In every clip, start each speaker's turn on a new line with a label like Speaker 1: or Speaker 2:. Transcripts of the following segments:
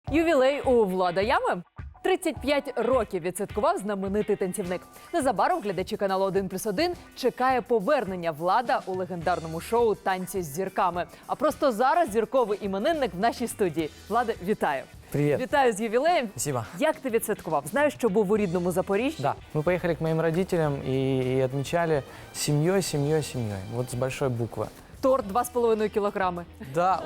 Speaker 1: Ювілей у Влада Ями. 35 років відсвяткував знаменитий танцівник. Незабаром глядачі каналу 1+1 чекає повернення Влада у легендарному шоу «Танці з зірками». А просто зараз зірковий іменинник в нашій студії. Владе, вітаю.
Speaker 2: Привет.
Speaker 1: Вітаю з ювілеєм.
Speaker 2: Спасибо.
Speaker 1: Як ти відсвяткував? Знаю, що був у рідному Запоріжжі.
Speaker 2: Да, мы поехали к моим родителям и отмечали семьей. Вот с большой буквы.
Speaker 1: Торт 2,5 кілограми.
Speaker 2: Да,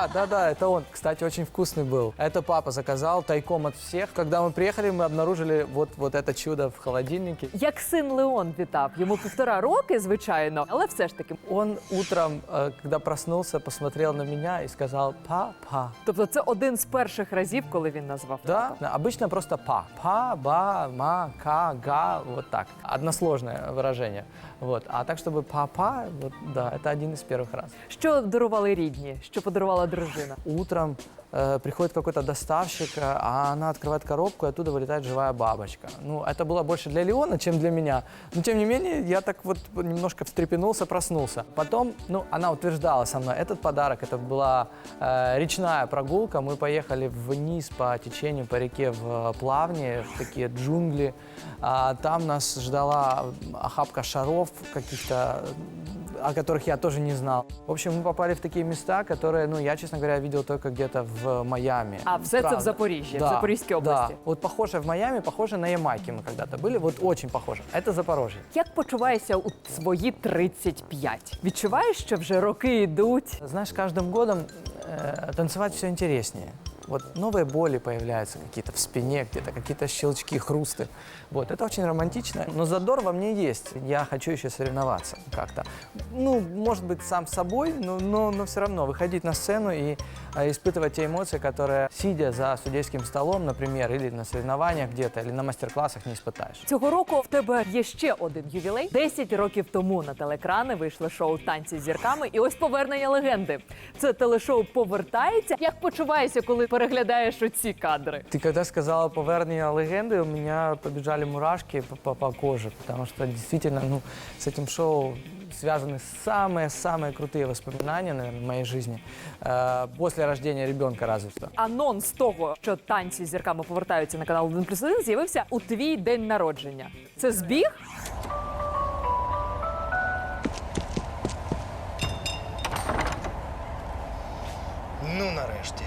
Speaker 2: это он. Кстати, очень вкусный был. Это папа заказал тайком от всех. Когда мы приехали, мы обнаружили вот это чудо в холодильнике.
Speaker 1: Як син Леон вітав. Йому 1,5 роки, звичайно, але все ж таки.
Speaker 2: Он утром, когда проснулся, посмотрел на меня и сказал «папа».
Speaker 1: Тобто це один з перших разів, коли він назвав.
Speaker 2: Да, обычно просто па. Па, ба, ма, ка, га, вот так. Односложное выражение. Вот. А так, чтобы папа, вот, да, это один из первых раз.
Speaker 1: Що дарували рідні? Що подарувала дружина?
Speaker 2: Утром приходит какой-то доставщик, а она открывает коробку, и оттуда вылетает живая бабочка. Ну, это было больше для Леона, чем для меня. Но, тем не менее, я так вот немножко встрепенулся, проснулся. Потом, ну, она утверждала со мной, этот подарок, это была речная прогулка. Мы поехали вниз по течению, по реке в плавни, в такие джунгли. Там нас ждала охапка шаров каких-то, о которых я тоже не знал. В общем, мы попали в такие места, которые, ну, я, честно говоря, видел только где-то в Майами.
Speaker 1: А все це в
Speaker 2: Правда.
Speaker 1: Запоріжжі,
Speaker 2: Да,
Speaker 1: в Запорізькій області.
Speaker 2: Да. Вот похоже в Майами, похоже на Ямайке мы когда-то были, вот очень похоже. Это Запорожье.
Speaker 1: Як почуваєшся у свої 35? Відчуваєш, що вже роки йдуть?
Speaker 2: Знаешь, каждым годом танцевать все интереснее. Вот новые боли появляются какие-то в спине, где-то какие-то щелчки, хрусты. Вот, это очень романтично, но задор во мне есть. Я хочу еще соревноваться как-то. Ну, может быть, сам с собой, но все равно выходить на сцену и испытывать те эмоции, которые, сидя за судейским столом, например, или на соревнованиях где-то, или на мастер-классах, не испытаешь.
Speaker 1: Цього року в тебе є ще один ювілей. 10 років тому на телеекрани вийшло шоу «Танці з зірками». І ось повернення легенди. Це телешоу повертається. Як почуваєшся, коли переглядаєш оці кадри?
Speaker 2: Ты когда сказала повернення легенды, у меня побежали мурашки по коже, потому что действительно, ну, с этим шоу связаны самые крутые воспоминания, наверное, в моей жизни. После рождения ребенка разве что.
Speaker 1: Анонс того, що «Танці з зірками» повертаються на канал 1+1, з'явився у твій день народження. Це збіг?
Speaker 3: Ну, нарешті.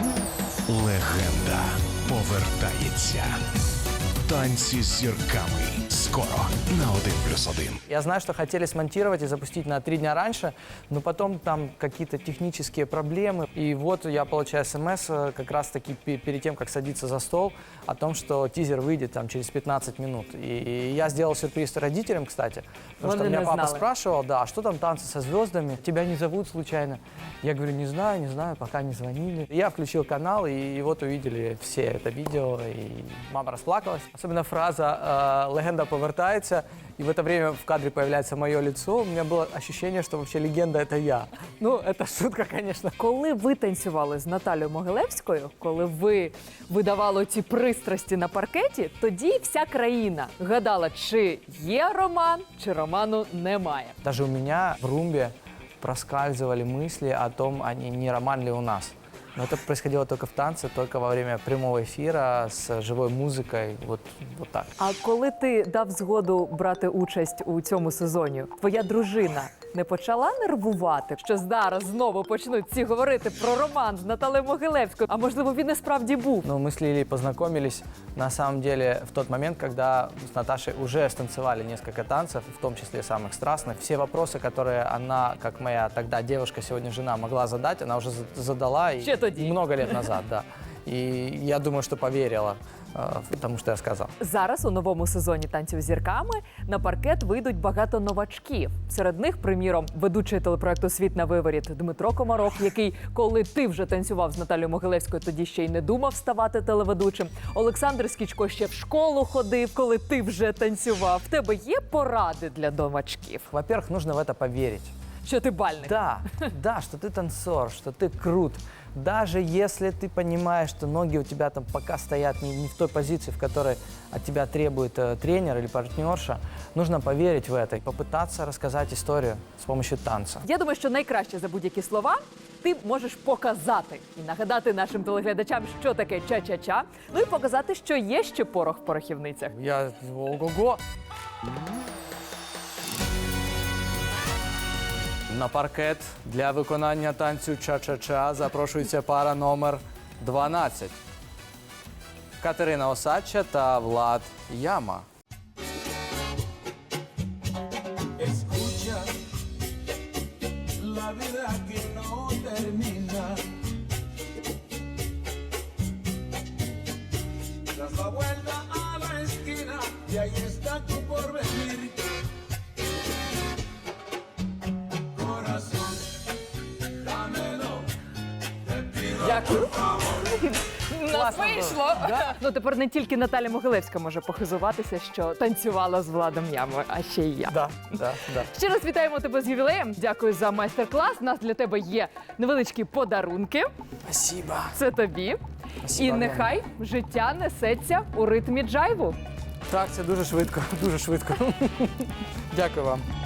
Speaker 4: Легенда повертається. Танці з зірками. Скоро на 1+1.
Speaker 2: Я знаю, что хотели смонтировать и запустить на 3 дня раньше, но потом там какие-то технические проблемы. И вот я получаю смс как раз-таки перед тем, как садиться за стол, о том, что тизер выйдет там через 15 минут. И я сделал сюрприз родителям, кстати, потому что
Speaker 1: Вони
Speaker 2: меня
Speaker 1: не
Speaker 2: папа
Speaker 1: знали.
Speaker 2: спрашивал, да, а что там танцы со звездами? Тебя не зовут случайно? Я говорю, не знаю, пока не звонили. Я включил канал, и вот увидели все это видео, и мама расплакалась. Особенно фраза «Легенда повертается», и в это время в кадре появляется мое лицо. У меня было ощущение, что вообще легенда – это я. Ну, это шутка, конечно.
Speaker 1: Коли ви танцювали з Наталією Могилевською, коли ви видавали ці пристрасті на паркеті, тоді вся країна гадала, чи є роман, чи роману немає.
Speaker 2: Даже у меня в румбе проскальзывали мысли о том, а не роман ли у нас. Но это происходило только в танце, только во время прямого эфира с живой музыкой, вот так.
Speaker 1: А коли ти дав згоду брати участь у цьому сезоні, твоя дружина не почала нервувати, що зараз знову почнуть всі говорити про роман з Наталією Могилевською? А можливо, він і справді був?
Speaker 2: Ну, мы с Лилией познакомились, на самом деле, в тот момент, когда с Наташей уже станцевали несколько танцев, в том числе самых страстных. Все вопросы, которые она, как моя тогда девушка, сегодня жена, могла задать, она уже задала.
Speaker 1: Ще тоді.
Speaker 2: Много лет назад, да. И я думаю, что поверила тому, що я сказав.
Speaker 1: Зараз у новому сезоні «Танців з зірками» на паркет вийдуть багато новачків. Серед них, приміром, ведучий телепроекту «Світ на виворіт» Дмитро Комаров, який, коли ти вже танцював з Наталією Могилевською, тоді ще й не думав ставати телеведучим. Олександр Скічко ще в школу ходив, коли ти вже танцював. В тебе є поради для новачків?
Speaker 2: Во-первых, нужно в это поверить.
Speaker 1: що ти бальник.
Speaker 2: Да, да, что ты танцор, что ты крут. Даже если ты понимаешь, что ноги у тебя там пока стоят не в той позиции, в которой от тебя требует тренер или партнерша, нужно поверить в это и попытаться рассказать историю с помощью танца.
Speaker 1: Я думаю, що найкраще за будь-які слова ти можеш показати і нагадати нашим телеглядачам, що таке ча-ча-ча, ну і показати, що є ще порох в порохівницях.
Speaker 2: Я... Ого-го! На паркет для виконання танцю ча-ча-ча запрошується пара номер 12. Катерина Осадча та Влад Яма.
Speaker 5: Escucha la vida que no termina. Das la vuelta a la esquina y ahí está tu porvenir. Corazón, dámelo, te pido.
Speaker 1: Дякую. Нас
Speaker 2: Класно
Speaker 1: вийшло.
Speaker 2: було. Да?
Speaker 1: Ну тепер не тільки Наталя Могилевська може похизуватися, що танцювала з Владом Ямою, а ще й я.
Speaker 2: Да, да, да.
Speaker 1: Ще раз вітаємо тебе з ювілеєм. Дякую за майстер-клас. У нас для тебе є невеличкі подарунки.
Speaker 2: Спасибо.
Speaker 1: Це тобі.
Speaker 2: Спасибо,
Speaker 1: І
Speaker 2: Альона.
Speaker 1: нехай життя несеться у ритмі джайву.
Speaker 2: Так, це дуже швидко, дуже швидко. Дякую вам.